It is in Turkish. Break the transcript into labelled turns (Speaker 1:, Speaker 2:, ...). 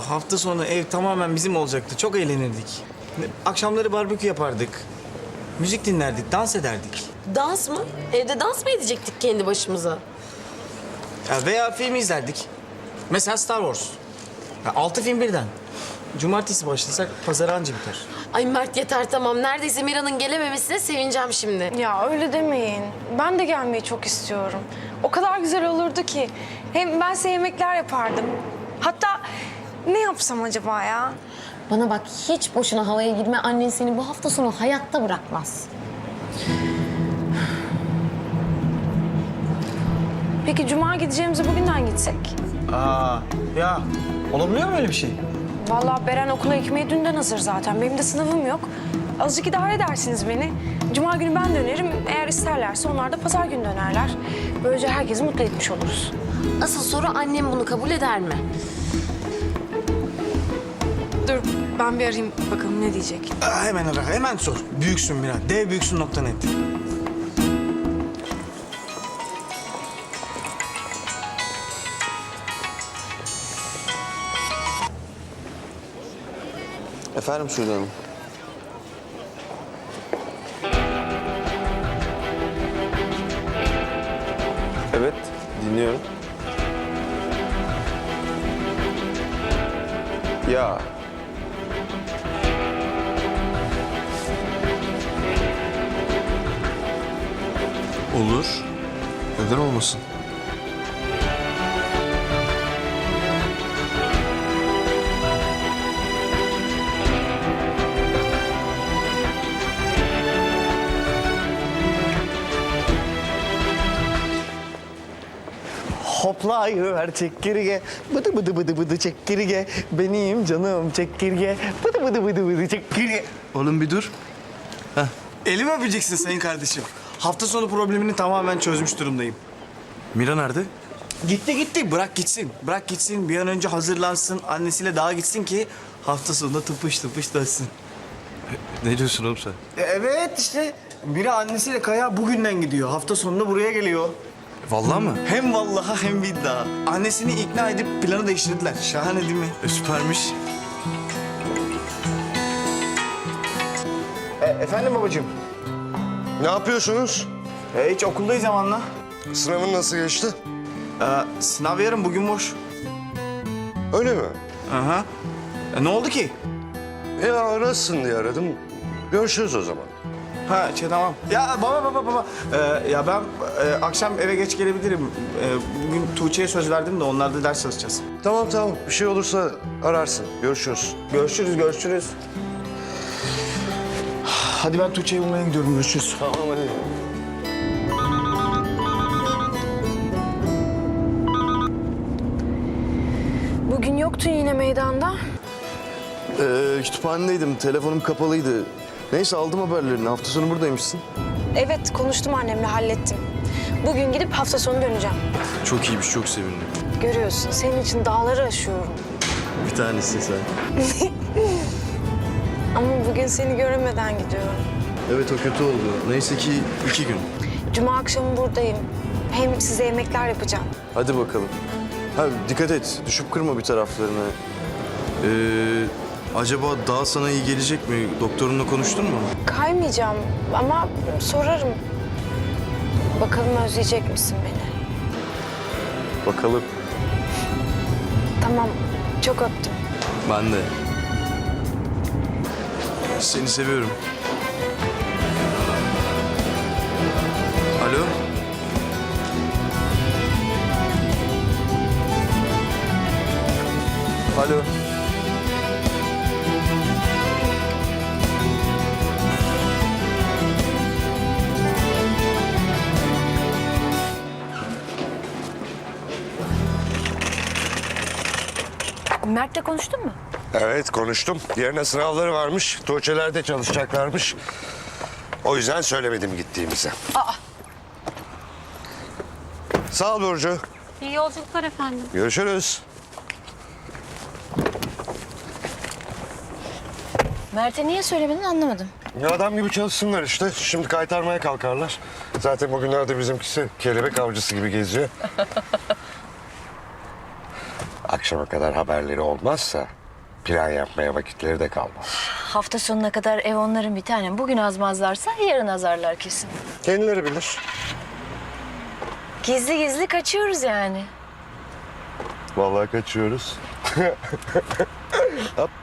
Speaker 1: hafta sonu ev tamamen bizim olacaktı. Çok eğlenirdik. Akşamları barbekü yapardık. Müzik dinlerdik, dans ederdik.
Speaker 2: Dans mı? Evde dans mı edecektik kendi başımıza?
Speaker 1: Ya veya film izlerdik. Mesela Star Wars. Ya 6 film birden. Cumartesi başlasak pazar anca biter.
Speaker 2: Ay Mert yeter tamam. Neredeyse Mira'nın gelememesine sevineceğim şimdi.
Speaker 3: Ya öyle demeyin. Ben de gelmeyi çok istiyorum. O kadar güzel olurdu ki. Hem ben size yemekler yapardım. Hatta ne yapsam acaba ya?
Speaker 4: Bana bak hiç boşuna havaya girme. Annen seni bu hafta sonu hayatta bırakmaz.
Speaker 3: Peki cuma gideceğimize bugünden gitsek?
Speaker 1: Ya olabiliyor mu öyle bir şey?
Speaker 3: Vallahi Beren okula ekmeği dünden hazır zaten. Benim de sınavım yok. Azıcık idare edersiniz beni. Cuma günü ben dönerim. Eğer isterlerse onlar da pazar günü dönerler. Böylece herkesi mutlu etmiş oluruz.
Speaker 2: Asıl soru annem bunu kabul eder mi?
Speaker 3: Dur ben bir arayayım bakalım ne diyecek.
Speaker 1: Hemen ara, hemen sor. Büyüksün Mira, dev büyüksün.net.
Speaker 5: Efendim Sude Hanım. Evet, dinliyorum. Ya. Olur. Neden olmasın?
Speaker 1: Hoplayıver çekirge, bıdı bıdı bıdı bıdı çekirge. Benim canım çekirge, bıdı bıdı bıdı bıdı çekirge.
Speaker 5: Oğlum bir dur.
Speaker 1: Elimi öpeceksin sayın kardeşim. Hafta sonu problemini tamamen çözmüş durumdayım.
Speaker 5: Mira nerede?
Speaker 1: Gitti, bırak gitsin. Bırak gitsin, bir an önce hazırlansın, annesiyle dağa gitsin ki hafta sonunda tıpış tıpış dönsün.
Speaker 5: Ne diyorsun oğlum sen?
Speaker 1: Evet işte, biri annesiyle Kaya bugünden gidiyor. Hafta sonunda buraya geliyor.
Speaker 5: Vallahi mı?
Speaker 1: Hem vallaha hem iddia. Annesini ikna edip planı değiştirdiler. Şahane değil mi?
Speaker 5: Süpermiş.
Speaker 1: Efendim babacığım?
Speaker 6: Ne yapıyorsunuz?
Speaker 1: Hiç okuldayız zamanla.
Speaker 6: Sınavın nasıl geçti?
Speaker 1: Sınav yarın, bugün boş.
Speaker 6: Öyle mi?
Speaker 1: Aha. Ne oldu ki?
Speaker 6: Ya arasın diye aradım. Görüşürüz o zaman.
Speaker 1: Tamam. Ya baba. Ya ben akşam eve geç gelebilirim. Bugün Tuğçe'ye söz verdim de onlarda ders çalışacağız.
Speaker 6: Tamam. Bir şey olursa ararsın. Görüşürüz.
Speaker 1: Görüşürüz. Hadi ben Tuğçe'yi bulmaya gidiyorum. Görüşürüz.
Speaker 6: Tamam hadi.
Speaker 3: Bugün yoktun yine meydanda.
Speaker 5: Kütüphanedeydim. Telefonum kapalıydı. Neyse aldım haberlerini. Hafta sonu buradaymışsın.
Speaker 3: Evet konuştum annemle hallettim. Bugün gidip hafta sonu döneceğim.
Speaker 5: Çok iyiymiş. Çok sevindim.
Speaker 3: Görüyorsun senin için dağları aşıyorum.
Speaker 5: Bir tanesi sen.
Speaker 3: Ama bugün seni göremeden gidiyorum.
Speaker 5: Evet o kötü oldu. Neyse ki 2 gün.
Speaker 3: Cuma akşamı buradayım. Hem size yemekler yapacağım.
Speaker 5: Hadi bakalım. Dikkat et. Düşüp kırma bir taraflarını. Acaba daha sana iyi gelecek mi? Doktorunla konuştun mu?
Speaker 3: Kaymayacağım ama sorarım. Bakalım özleyecek misin beni?
Speaker 5: Bakalım.
Speaker 3: Tamam, çok öptüm.
Speaker 5: Ben de. Seni seviyorum. Alo? Alo?
Speaker 4: Mert'le konuştun mu?
Speaker 6: Evet konuştum. Yarına sınavları varmış. Tuğçe'lerde çalışacaklarmış. O yüzden söylemedim gittiğimizi. Sağ ol Burcu.
Speaker 4: İyi yolculuklar efendim.
Speaker 6: Görüşürüz.
Speaker 4: Mert'e niye söylemedin anlamadım.
Speaker 6: Ya adam gibi çalışsınlar işte. Şimdi kaytarmaya kalkarlar. Zaten bugünlerde bizimkisi kelebek avcısı gibi geziyor. Akşam akşama kadar haberleri olmazsa plan yapmaya vakitleri de kalmaz.
Speaker 7: Hafta sonuna kadar ev onların bir tanem. Bugün azmazlarsa yarın azarlar kesin.
Speaker 6: Kendileri bilir.
Speaker 7: Gizli gizli kaçıyoruz yani.
Speaker 5: Vallahi kaçıyoruz. Hop.